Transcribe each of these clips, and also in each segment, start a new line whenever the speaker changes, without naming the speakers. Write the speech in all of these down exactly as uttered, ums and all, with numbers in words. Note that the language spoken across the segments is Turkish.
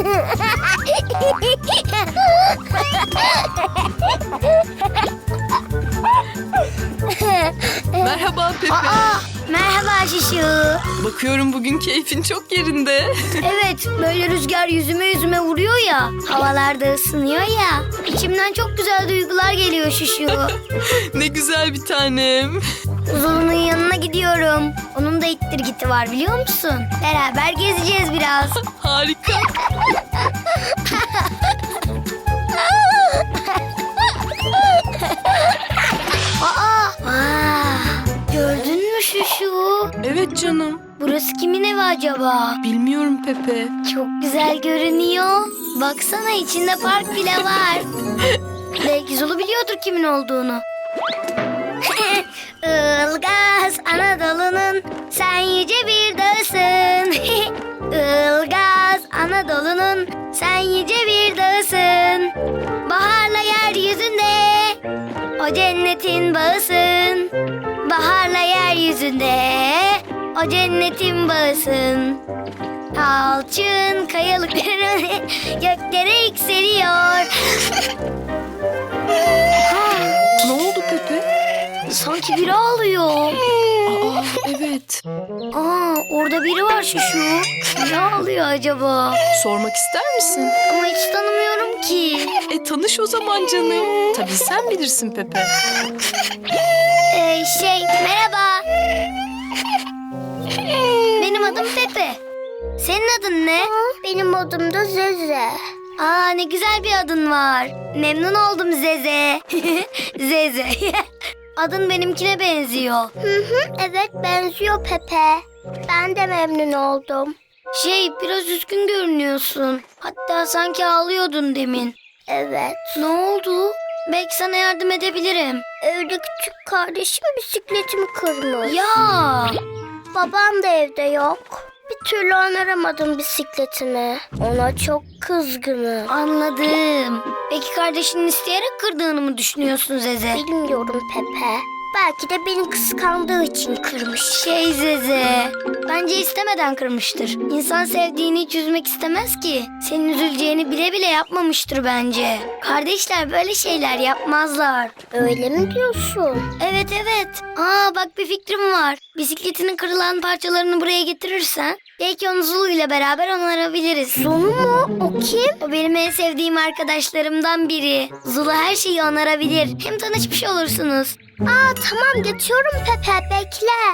Merhaba Pepe.
Aa, merhaba Şişu.
Bakıyorum bugün keyfin çok yerinde.
Evet, böyle rüzgar yüzüme yüzüme vuruyor ya. Havalarda ısınıyor ya. İçimden çok güzel duygular geliyor Şişu.
Ne güzel bir tanem.
Zulu'nun yanına gidiyorum. Onun da ittirgiti var biliyor musun? Beraber gezeceğiz biraz.
Harika.
Aa, aa, gördün mü Şuşu?
Evet canım.
Burası kimin evi acaba?
Bilmiyorum Pepe.
Çok güzel görünüyor. Baksana içinde park bile var. Belki Zulu biliyordur kimin olduğunu. Ilgaz Anadolu'nun sen yüce bir dağısın. Ilgaz Anadolu'nun sen yüce bir dağısın. Baharla yeryüzünde o cennetin bağısın. Baharla yeryüzünde o cennetin bağısın. Alçın kayalıkları göklere yükseliyor.
Ne oldu Pepe?
Sanki biri ağlıyor.
Aa, evet.
Aa, orada biri var Şuşu. Ne ağlıyor acaba?
Sormak ister misin?
Ama hiç tanımıyorum ki.
E tanış o zaman canım. Tabii sen bilirsin Pepe.
Ee, şey, merhaba. Benim adım Pepe. Senin adın ne? Benim adım da Zeze. Aa, ne güzel bir adın var. Memnun oldum Zeze. Zeze. Adın benimkine benziyor. Hı hı, evet benziyor Pepe. Ben de memnun oldum. Şey, biraz üzgün görünüyorsun. Hatta sanki ağlıyordun demin. Evet. Ne oldu? Belki sana yardım edebilirim. Evde küçük kardeşim bisikletimi kırmış. Ya! Babam da evde yok. Bir türlü onaramadım bisikletimi. Ona çok kızgınım. Anladım. Peki kardeşinin isteyerek kırdığını mı düşünüyorsun Zeze? Bilmiyorum Pepe. Belki de beni kıskandığı için kırmış. Şey Zeze, bence istemeden kırmıştır. İnsan sevdiğini hiç üzmek istemez ki. Senin üzüleceğini bile bile yapmamıştır bence. Kardeşler böyle şeyler yapmazlar. Öyle mi diyorsun? Evet evet. Aa bak bir fikrim var. Bisikletinin kırılan parçalarını buraya getirirsen belki onu Zulu ile beraber onarabiliriz. Zulu mu? O kim? O benim en sevdiğim arkadaşlarımdan biri. Zulu her şeyi onarabilir. Hem tanışmış olursunuz. Aa tamam geçiyorum Pepe bekle.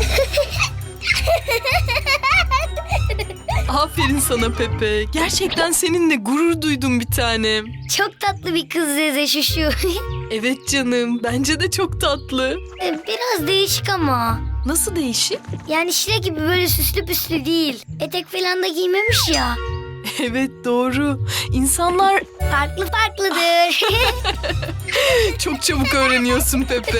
Aferin sana Pepe. Gerçekten seninle gurur duydum bir tanem.
Çok tatlı bir kız Zeze Şuşu.
Evet canım. Bence de çok tatlı.
Biraz değişik ama.
Nasıl değişik?
Yani Şile gibi böyle süslü püslü değil. Etek falan da giymemiş ya.
Evet doğru. İnsanlar
Farklı farklıdır.
çok çabuk öğreniyorsun Pepe.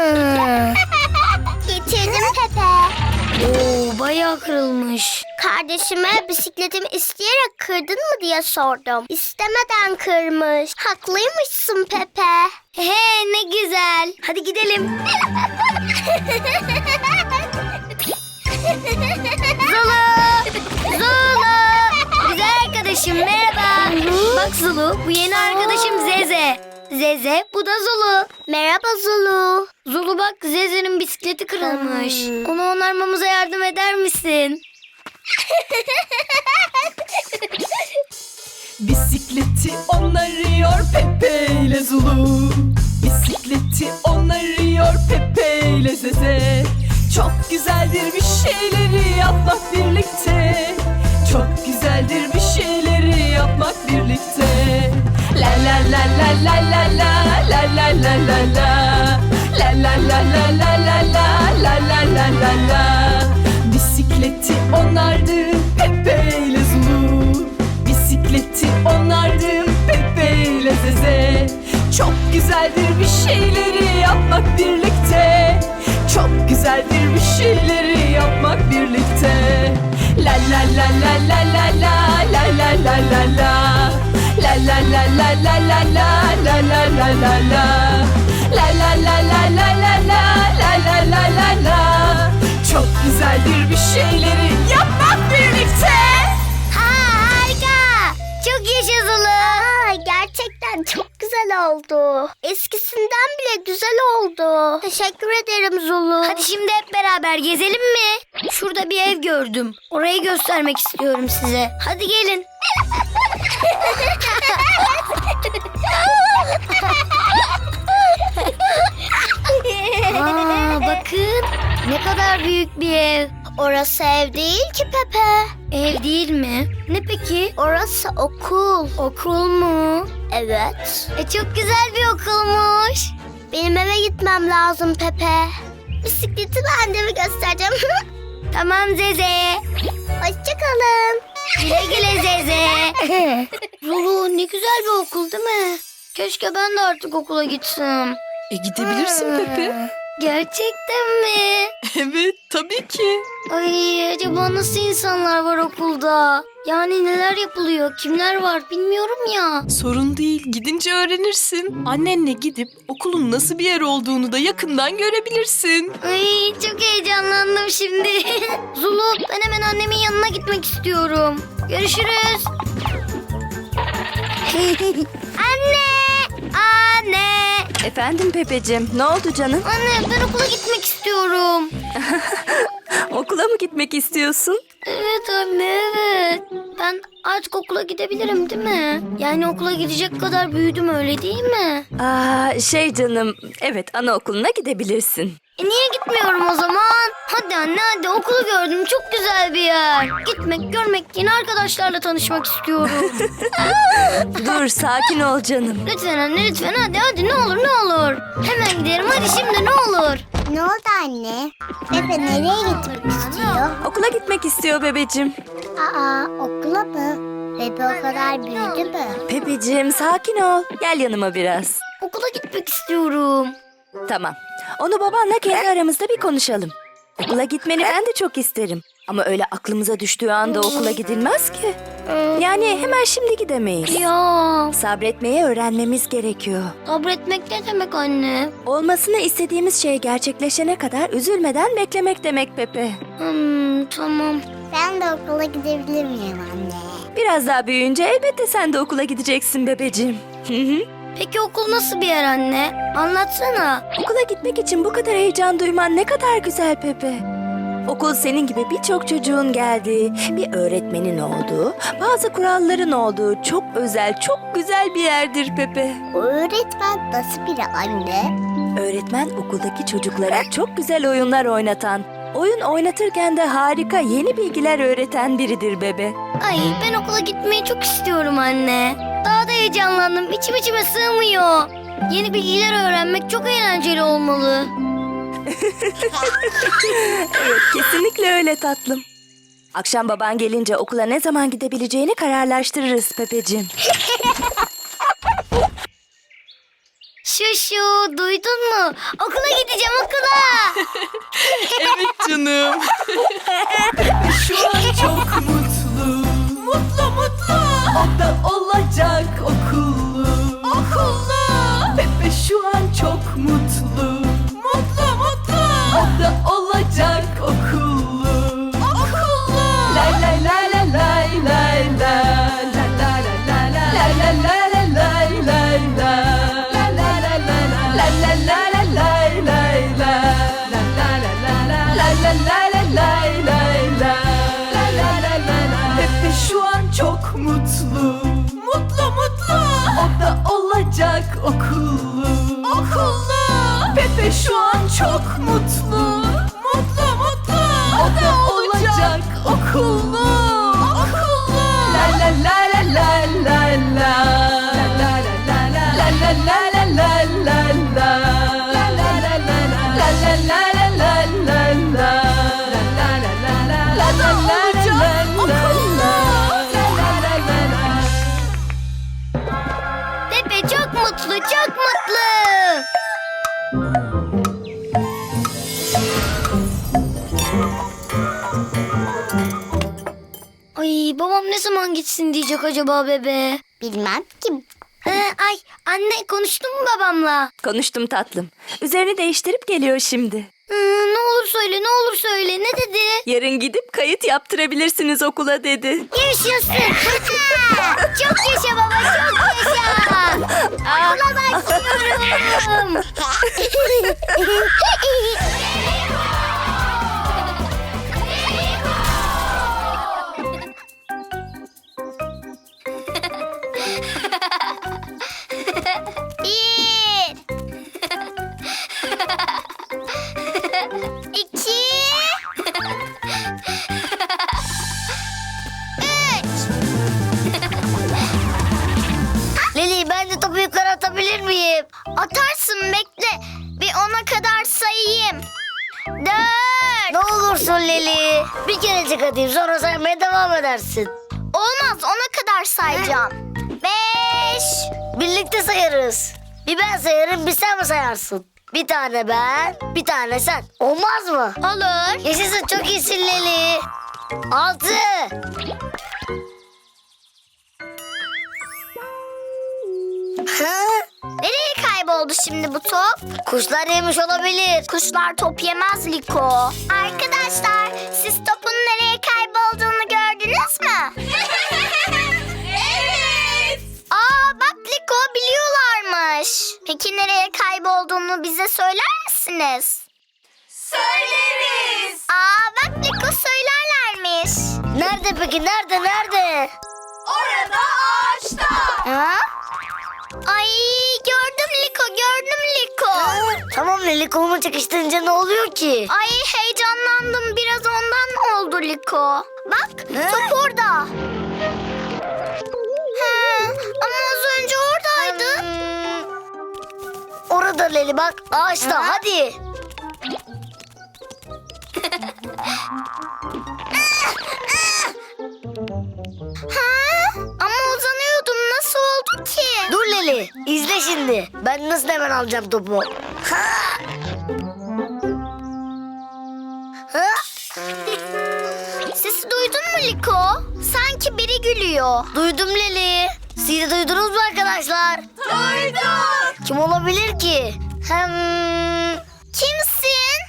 Getirdim Pepe. Oo, bayağı kırılmış. Kardeşime bisikletimi isteyerek kırdın mı diye sordum. İstemeden kırmış. Haklıymışsın Pepe. He ne güzel. Hadi gidelim. Zulu! Zulu! Güzel arkadaşım merhaba. Bak Zulu, bu yeni arkadaşım Zeze. Zeze, bu da Zulu. Merhaba Zulu. Zulu bak, Zeze'nin bisikleti kırılmış. Hmm. Onu onarmamıza yardım eder misin?
Bisikleti onarıyor Pepe ile Zulu. Bisikleti onarıyor Pepe ile Zeze. Çok güzeldir bir şeyleri yapmak birlikte. Çok güzeldir bir şeyleri yapmak birlikte. La la la la la la la la la la la la. La la la la la la la la la la la la. Bisikleti onardı Pepe ile Zulu. Bisikleti onardı Pepe ile Zeze. Çok güzeldir bir şeyleri yapmak birlikte. Çok güzeldir bir şeyleri yapmak birlikte. La la la la la la la la la la la la. La la la la la la la la la la la la. La la la la la la la la la la la la. Çok güzeldir bir şeyleri yapmak birlikte.
Ha, harika. çok güzel oldu. Eskisinden bile güzel oldu. Teşekkür ederim Zulu. Hadi şimdi hep beraber gezelim mi? Şurada bir ev gördüm. Orayı göstermek istiyorum size. Hadi gelin. Aa, bakın ne kadar büyük bir ev. Orası ev değil ki Pepe. Ev değil mi? Ne peki? Orası okul. Okul mu? Evet. E çok güzel bir okulmuş. Benim eve gitmem lazım Pepe. Bisikleti ben de mi göstereceğim? Tamam Zeze. Hoşçakalın. Güle güle Zeze. Zulu ne güzel bir okul değil mi? Keşke ben de artık okula gitsem.
E gidebilirsin Pepe.
Gerçekten mi?
Evet tabii ki.
Ay acaba nasıl insanlar var okulda? Yani neler yapılıyor, kimler var bilmiyorum ya.
Sorun değil, gidince öğrenirsin. Annenle gidip okulun nasıl bir yer olduğunu da yakından görebilirsin.
Ay çok heyecanlandım şimdi. Zulu ben hemen annemin yanına gitmek istiyorum. Görüşürüz. Anne! Anne!
Efendim Pepeciğim, ne oldu canım?
Anne ben okula gitmek istiyorum.
Okula mı gitmek istiyorsun?
Evet anne evet. Ben artık okula gidebilirim değil mi? Yani okula gidecek kadar büyüdüm öyle değil mi?
Aa, şey canım, evet anaokuluna gidebilirsin.
E niye gitmiyorum o zaman? Hadi anne hadi okulu gördüm çok güzel bir yer. Gitmek görmek yeni arkadaşlarla tanışmak istiyorum.
Dur, sakin ol canım.
Lütfen anne lütfen hadi hadi ne olur ne olur. Hemen giderim hadi şimdi ne olur.
Ne oldu anne? Pepe nereye gitmek istiyor?
Okula gitmek istiyor bebeciğim.
Aa, okula mı? Pepe o kadar büyüdü mü?
Pepeciğim, sakin ol. Gel yanıma biraz.
Okula gitmek istiyorum.
Tamam. Onu babanla kendi aramızda bir konuşalım. Okula gitmeni ben de çok isterim. Ama öyle aklımıza düştüğü anda okula gidilmez ki. Yani hemen şimdi gidemeyiz.
Ya
Sabretmeyi öğrenmemiz gerekiyor.
sabretmek ne demek anne?
Olmasını istediğimiz şey gerçekleşene kadar üzülmeden beklemek demek Pepe.
Hmm, tamam.
Ben de okula gidebilir miyim anne?
Biraz daha büyüyünce elbette sen de okula gideceksin bebeciğim. Hı hı.
Peki okul nasıl bir yer anne? Anlatsana.
Okula gitmek için bu kadar heyecan duyman ne kadar güzel Pepe. Okul senin gibi birçok çocuğun geldiği, bir öğretmenin olduğu, bazı kuralların olduğu çok özel, çok güzel bir yerdir Pepe.
O öğretmen nasıl biri anne?
Öğretmen okuldaki çocuklara çok güzel oyunlar oynatan, oyun oynatırken de harika yeni bilgiler öğreten biridir bebe.
Ay ben okula gitmeyi çok istiyorum anne. Daha da heyecanlandım. İçim içime sığmıyor. Yeni bilgiler öğrenmek çok eğlenceli olmalı.
Evet, kesinlikle öyle tatlım. Akşam baban gelince okula ne zaman gidebileceğini kararlaştırırız Pepeciğim.
Şuşu duydun mu? Okula gideceğim okula.
Evet canım. Şu an çok mutlu. Mutlu mutlu. O da olacak okullu. Okullu. Pepe şu an çok mutlu. Mutlu mutlu. O da olacak okullu. Okullu. Lay lay lay lay lay lay lay. La la la la la. La la la la lay lay lay. La la la la la. La la la la lay lay lay. La la la la la. La la la la lay lay lay. La la la la la. Pepe şu an çok mutlu. Mutlu mutlu. O da olacak okullu. Okullu. Pepe şu an çok mutlu. Mutlu mutlu. O da olacak okullu. Okullu. La la la la la la la. La la la la la. La la la la la la la. La la la la la. La la la la la la la. La la la la la. La la la la la la. La la la la la.
Pepe çok mutlu çok mutlu. Ay babam ne zaman gitsin diyecek acaba bebe?
Bilmem ki.
Ee, ay anne konuştun mu babamla?
Konuştum tatlım. Üzerini değiştirip geliyor şimdi.
Hmm, ne olur söyle, ne olur söyle. Ne dedi?
Yarın gidip kayıt yaptırabilirsiniz okula dedi.
Yaşasın. Çok yaşa baba, çok yaşa. Okula başlıyorum. Bir. İki. Leli, ben de topu yukarı atabilir miyim? Atarsın, bekle. Bir ona kadar sayayım. Dört. Ne olursun Leli. Bir kerecik atayım, sonra saymaya devam edersin. Olmaz, ona kadar sayacağım. Beş. Birlikte sayarız. Bir ben sayarım, bir sen mi sayarsın? Bir tane ben, bir tane sen. Olmaz mı? Olur. Yaşasın, çok iyisin Leli. Altı. Ha? Nereye kayboldu şimdi bu top? Kuşlar yemiş olabilir. Kuşlar top yemez Liko. Arkadaşlar, siz topun nereye kaybolduğunu gördünüz mü? Evet. Aa, bak Liko, biliyorlarmış. Peki nereye kaybolduğunu bize söyler misiniz?
Söyleriz.
Aa, bak Liko, söylerlermiş. Nerede peki? Nerede? Nerede?
Orada ağaçta.
Ha? Ay, gördüm Liko, gördüm Liko. Tamam Leli, kolumu çekiştirince ne oluyor ki? Ay, heyecanlandım, biraz ondan oldu Liko. Bak, top orada. Ha, ama az önce oradaydı. Orada Leli, bak ağaçta, hadi. Ha? Ama uzanıyordum, nasıl oldu ki? Dur Leli, izle şimdi. Ben nasıl hemen alacağım topu. Ha? Ha? Sesi duydun mu Liko? Sanki biri gülüyor. Duydum Leli. Siz de duydunuz mu arkadaşlar?
Duyduk.
Kim olabilir ki? Hem... Kimsin?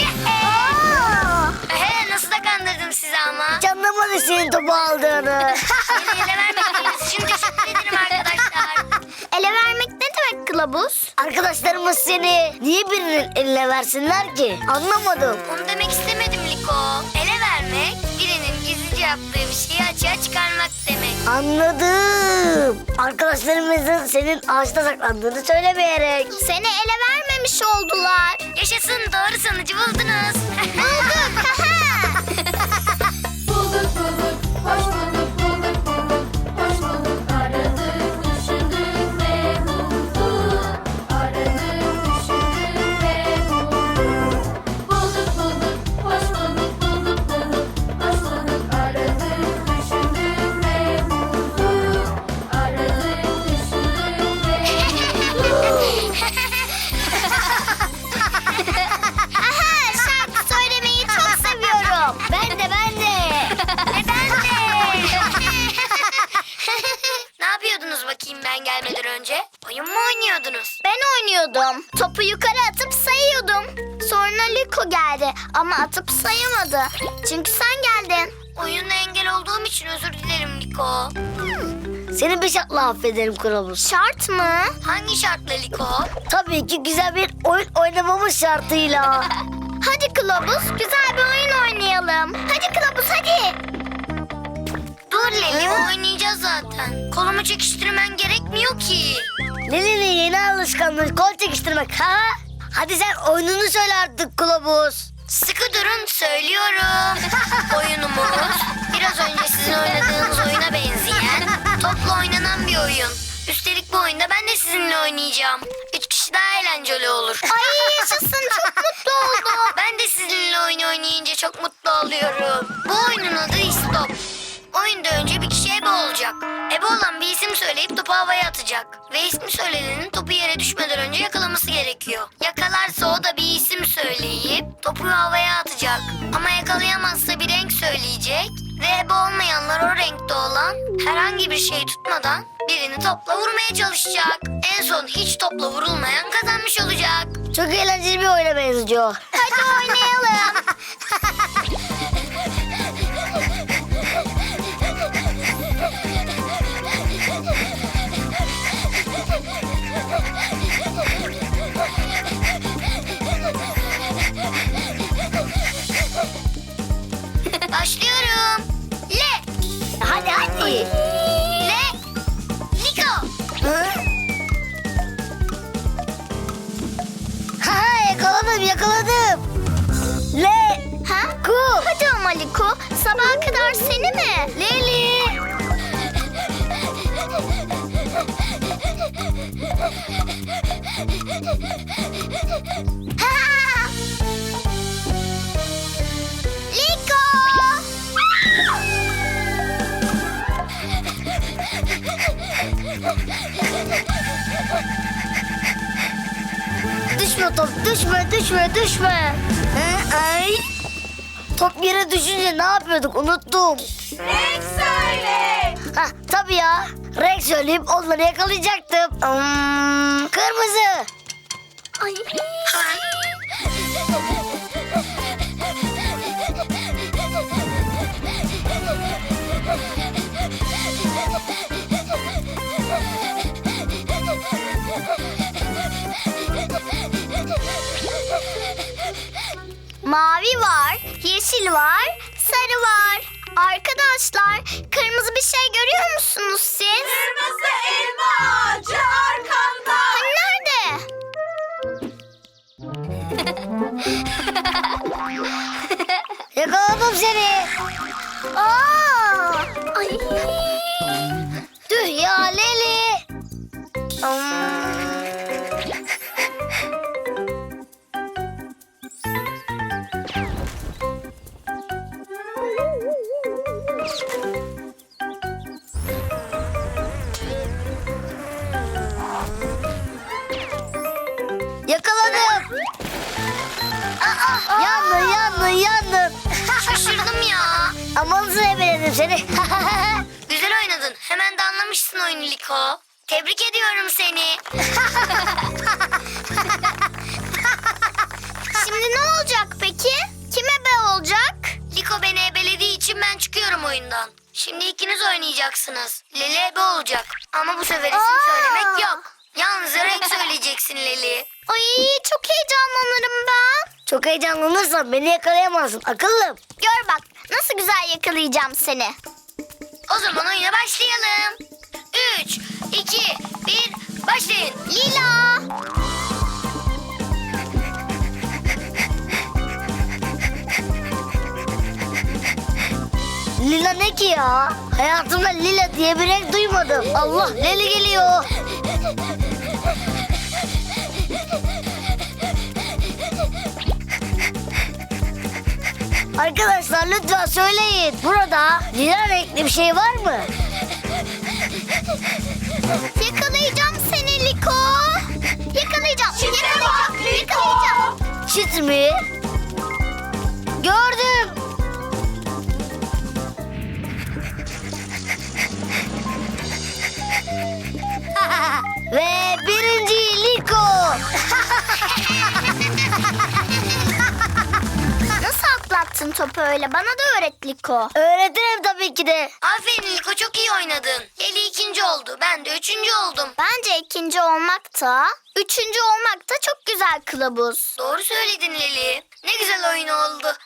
He, nasıl da kandırdım sizi ama. Hiç anlamadı senin topu aldığını. Beni ele vermediğiniz için teşekkür ederim arkadaşlar. Ele vermek ne demek kılavuz? Arkadaşlarımız seni niye birinin eline versinler ki? Anlamadım. Onu demek istemedim Liko. Ele vermek birinin gizlice yaptığı bir şeyi açığa çıkarmak demek. Anladım. Arkadaşlarımızın senin ağaçta saklandığını söylemeyerek. Seni ele vermemiş oldular. Yaşasın, doğru sonucu buldunuz. Bulduk.
Bulduk bulduk, hoş bulduk, bulduk bulduk, hoş bulduk. Aradık, düşündük ve bulduk. Aradık, düşündük ve bulduk. Bulduk bulduk, hoş bulduk, bulduk bulduk, hoş bulduk. Aradık, düşündük ve bulduk. Aradık, düşündük ve bulduk.
Aha, şarkı söylemeyi çok seviyorum. Ben de, ben de. E, ben de. Ne yapıyordunuz bakayım ben gelmeden önce? Oyun mu oynuyordunuz? Ben oynuyordum. Topu yukarı atıp sayıyordum. Sonra Liko geldi ama atıp sayamadı. Çünkü sen geldin. Oyuna engel olduğum için özür dilerim Liko. Seni bir şartla affederim Kılavuz. Şart mı? Hangi şartla Liko? Tabii ki güzel bir oyun oynamamız şartıyla. Hadi Kılavuz, güzel bir oyun oynayalım. Hadi Kılavuz, hadi. Dur Leli, oynayacağız zaten. Kolumu çekiştirmen gerekmiyor ki. Leli'nin yeni alışkanlığı kol çekiştirmek ha? Hadi sen oyununu söyle artık Kılavuz. Sıkı durun, söylüyorum. Oyunumuz biraz önce sizin oynadığınız oyuna benzeyen, topla oynanan bir oyun. Üstelik bu oyunda ben de sizinle oynayacağım. Üç kişi daha eğlenceli olur. Ay yaşasın, çok mutlu oldum. Ben de sizinle oyun oynayınca çok mutlu oluyorum. Bu oyunun adı İstop. Oyunda önce bir kişi ebe olacak. Ebe olan bir isim söyleyip topu havaya atacak. Ve ismi söylenenin topu yere düşmeden önce yakalaması gerekiyor. Yakalarsa o da bir isim söyleyip topu havaya atacak. Ama yakalayamazsa bir renk söyleyecek. Ve ebe olmayanlar o renkte olan herhangi bir şey tutmadan birini topla vurmaya çalışacak. En son hiç topla vurulmayan kazanmış olacak. Çok eğlenceli bir oyuna benziyor. Hadi oynayalım. Başlıyorum. Le. Hadi hadi. Le. Liko. Ha yakaladım yakaladım. Le. Ha? Ku. Hadi ama Liko. Sabaha kadar seni mi? Leli. Ha! Liko. Düşme top, düşme, düşme, düşme. Hı, ay. Top yere düşünce ne yapıyorduk unuttum.
Renk söyle.
Hah, tabii ya. Renk söyleyip onları yakalayacaktım. Hmm, kırmızı. Ay. Mavi var, yeşil var, sarı var. Arkadaşlar, kırmızı bir şey görüyor musunuz siz?
Kırmızı elma ağacı arkanda.
Hani nerede? Yakaladım seni. Aa! Ay. Tüh ya Leli. Hmm. Yakaladım. Aa, yandın yandın yandın. Şaşırdım ya. Aman sebeledim seni. Güzel oynadın. Hemen de anlamışsın oyunu Liko. Tebrik ediyorum seni. Şimdi ne olacak peki? Kim ebe olacak? Liko beni ebelediği için ben çıkıyorum oyundan. Şimdi ikiniz oynayacaksınız. Leli ebe olacak. Ama bu sefer isim söylemek yok. Yalnızca renk söyleyeceksin Leli. Ay çok heyecanlanırım ben. Çok heyecanlanırsan beni yakalayamazsın akıllım. Gör bak nasıl güzel yakalayacağım seni. O zaman oyuna başlayalım. Üç, iki, bir, başlayın. Lila. Lila ne ki ya? Hayatımda lila diye bir renk duymadım. Allah Leli geliyor. Arkadaşlar lütfen söyleyin. Burada lila renkli bir şey var mı? Yakalayacağım seni Liko. Yakalayacağım. Yakalayacağım. Yakalayacağım. Çit mi? Gördüm. Ve birinci Liko. Nasıl atlattın topu öyle? Bana da öğret Liko. Öğretirim tabii ki de. Aferin Liko çok iyi oynadın. Eli ikinci oldu. Ben de üçüncü oldum. Bence ikinci olmak da, üçüncü olmak da çok güzel kılavuz. Doğru söyledin Leli. Ne güzel oyun oldu.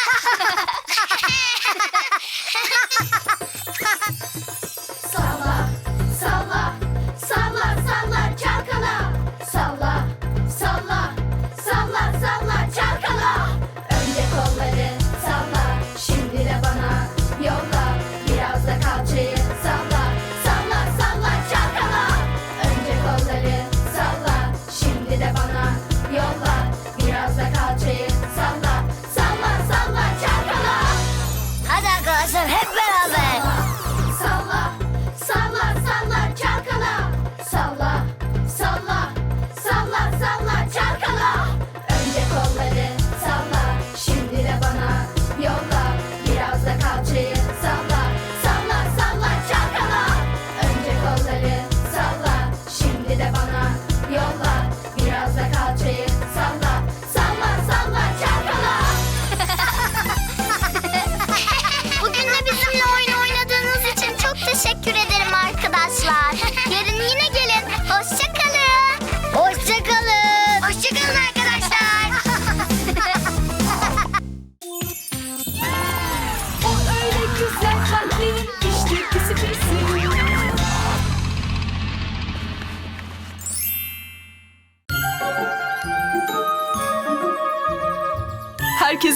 Salla, salla, salla, salla, çalkala. Salla, salla, salla, salla, çalkala. Önce kolları salla, şimdi de bana yolla. Biraz da kalçayı salla, salla, salla, çalkala. Önce kolları salla, şimdi de bana yolla. Biraz da kalçayı salla, salla, salla, çalkala.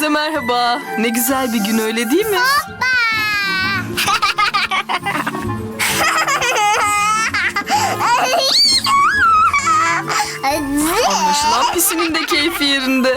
Herkese merhaba. Ne güzel bir gün, öyle değil mi? Anlaşılan Pisi'nin de keyfi yerinde.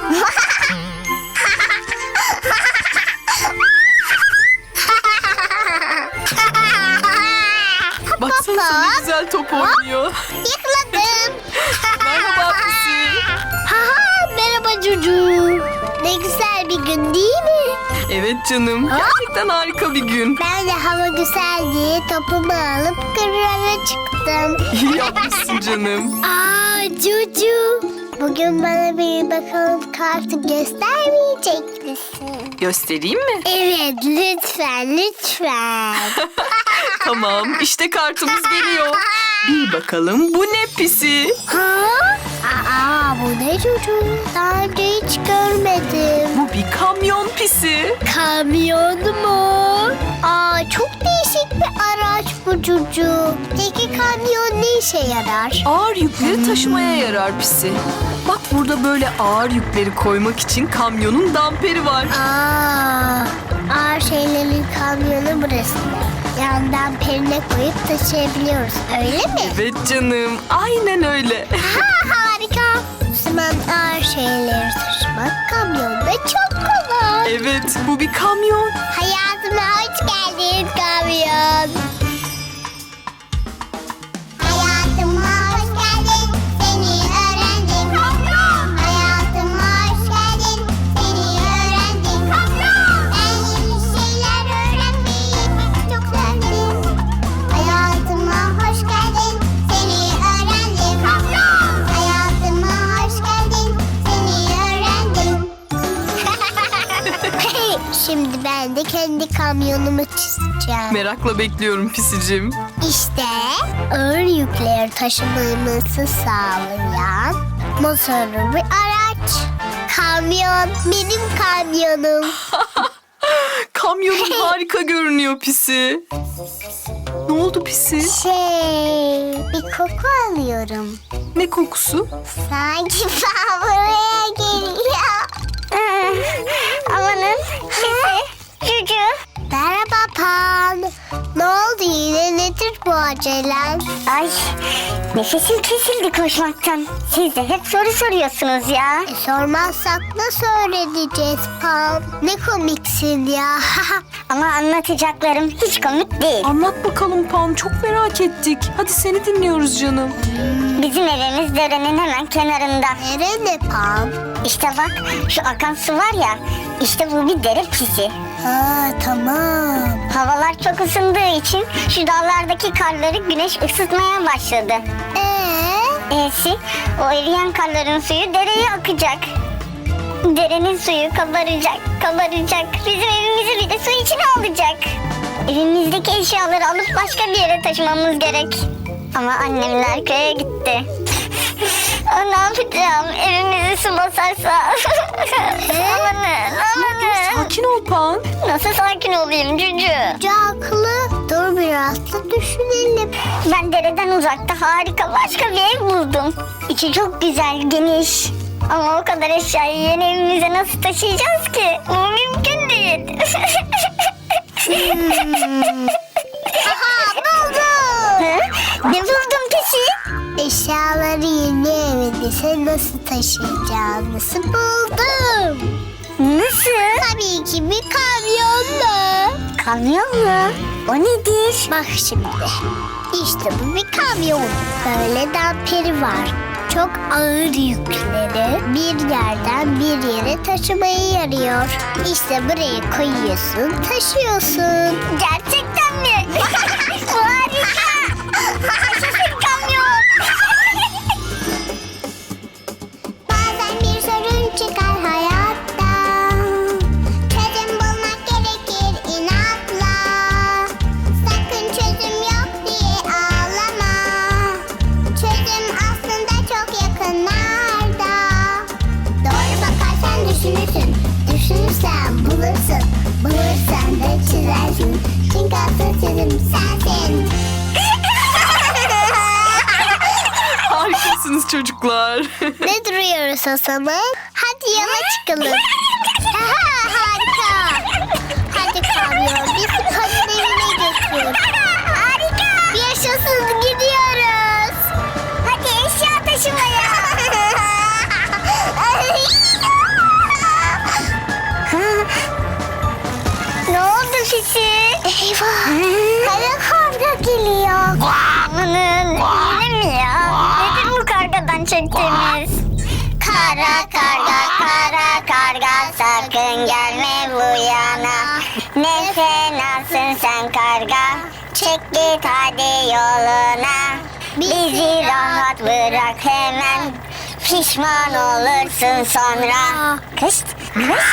Baksana ne güzel top oynuyor.
Yıkladım.
Merhaba Pisi.
Ha, merhaba Cucu. Ne güzel bir gün değil mi?
Evet canım. Gerçekten harika bir gün.
Ben de hava güzel diye topumu alıp kırlara çıktım.
İyi yapmışsın canım.
Aa Cucu. Bugün bana bir bakalım kartı göstermeyecek misin?
Göstereyim mi?
Evet lütfen lütfen.
Tamam, işte kartımız geliyor. Bir bakalım, bu ne Pisi?
Ha? Aa bu ne Cucu? Daha önce hiç görmedim.
Bu bir kamyon Pisi.
Kamyon mu? Aa çok değişik bir araç bu Cucu. Peki kamyon ne işe yarar?
Ağır yükleri taşımaya yarar Pisi. Bak burada böyle ağır yükleri koymak için kamyonun damperi var.
Aa, ağır şeylerin kamyonu burası. Yandan perine koyup taşıyabiliyoruz. Öyle mi?
Evet canım, aynen öyle.
Ha, harika. O zaman ağır şeyleri taşımak kamyonda çok kolay.
Evet, bu bir kamyon.
Hayatıma hoş geldin kamyon. Hayatıma hoş geldin, seni öğrendim. Hayatıma hoş geldin, seni öğrendim. Ben yeni şeyler öğrenmeyi çok sevdim. Hayatıma hoş geldin, seni öğrendim. Hayatıma hoş geldin, seni öğrendim. Şimdi ben de kendi kamyonumu çizeceğim.
Merakla bekliyorum Pisicim.
İşte ağır yükleri taşımamızı sağlayan motorlu bir araç. Kamyon, benim kamyonum.
Kamyonun harika görünüyor Pisi. Ne oldu Pisi?
Şey, bir koku alıyorum.
Ne kokusu?
Sanki ben buraya geliyor. Amanın sesi. Cucu. Merhaba Pan. Ne oldu yine, nedir bu acelen?
Ay, nefesim kesildi koşmaktan. Siz de hep soru soruyorsunuz ya.
E, sormazsak nasıl öğreneceğiz Pan? Ne komiksin ya.
Ama anlatacaklarım hiç komik değil.
Anlat bakalım Pan, çok merak ettik. Hadi seni dinliyoruz canım.
Bizim evimiz derenin hemen kenarında.
Nere ne Pan?
İşte bak, şu akan su var ya, işte bu bir dere pisi.
Ha tamam.
Havalar çok ısındığı için şu dağlardaki karları güneş ısıtmaya başladı.
Ee?
E'si, o eriyen karların suyu dereye akacak. Derenin suyu kabaracak, kabaracak. Bizim evimizi bir de su içine alacak. Evimizdeki eşyaları alıp başka bir yere taşımamız gerek. Ama annemler köye gitti. Aa, ne yapacağım? Evimizi su basarsa. Amanın, amanın.
Sakin ol Pan.
Nasıl sakin olayım Cücü?
Hoca haklı. Dur biraz da düşünelim.
Ben dereden uzakta harika başka bir ev buldum. İçi çok güzel, geniş. Ama o kadar eşyayı yeni evimize nasıl taşıyacağız ki? Bu mümkün değil.
Aha buldum.
Hı? Ne buldun peki?
Eşyaları yeni evinize nasıl taşıyacağınızı buldum.
Nasıl?
Tabii ki bir kamyonla.
Kamyon mu? O nedir?
Bak şimdi. İşte bu bir kamyon. Böyle damperi var. Çok ağır yükleri bir yerden bir yere taşımayı yarıyor. İşte buraya koyuyorsun, taşıyorsun.
Gerçekten mi? Harika. Yaşasın kamyon.
Bazen bir sorun çıkar hayatta. Çözüm bulmak gerekir inatla. Sakın çözüm yok diye ağlama. Çözüm aslında çok yakınlarda. Doğru bakarsan düşünürsün. Düşünürsen bulursun. Bulursan da çizersin. Çünkü asıl çözüm sensin.
Harikasınız çocuklar.
Ne duruyoruz o zaman? Hadi yola çıkalım. Aha, harika. Hadi kamyon bizi kadın evine götür. Harika. Yaşasın gidiyoruz. Hadi eşya taşımaya.
Ne oldu Fisi?
Eyvah. Kara karga geliyor.
Amanın yine mi ya? Nedir bu kargadan çektiğimiz? Kara karga, kara karga, sakın gelme bu yana. Ne fenasın sen karga, çek git hadi yoluna. Bizi rahat bırak hemen, pişman olursun sonra. Kışt, kışt.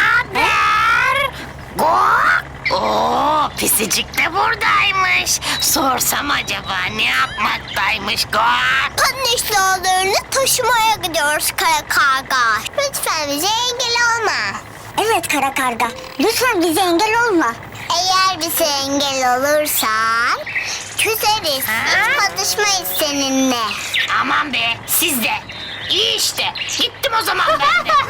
Oo, pisicik de buradaymış. Sorsam acaba ne yapmaktaymış Guak?
Kadın eşyalarını taşımaya gidiyoruz kara karga. Lütfen bize engel olma.
Evet kara karga, lütfen bize engel olma.
Eğer bize engel olursan küseriz. Hiç konuşmayız seninle.
Aman be, siz de. İyi işte. Gittim o zaman ben de.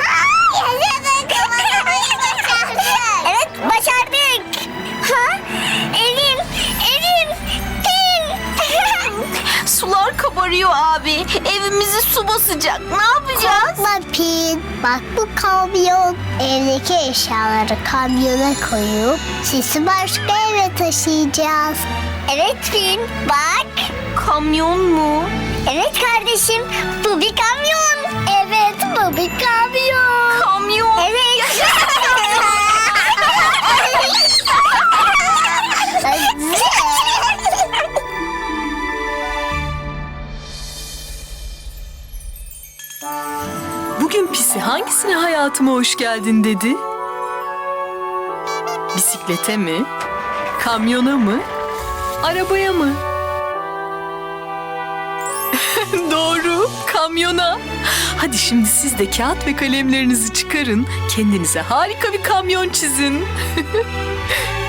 Evet, başardık. Ha? Evim, evim, evim.
Sular kabarıyor abi. Evimizi su basacak. Ne yapacağız?
Korkma Pin. Bak bu kamyon. Evdeki eşyaları kamyona koyup sisi başka eve taşıyacağız.
Evet Fin, bak.
Kamyon mu?
Evet kardeşim, bu bir kamyon.
Evet bu bir kamyon.
Kamyon.
Evet.
Bugün Pisi hangisine hayatıma hoş geldin dedi? Bisiklete mi? Kamyona mı? Arabaya mı? Doğru, kamyona. Hadi şimdi siz de kağıt ve kalemlerinizi çıkarın. Kendinize harika bir kamyon çizin.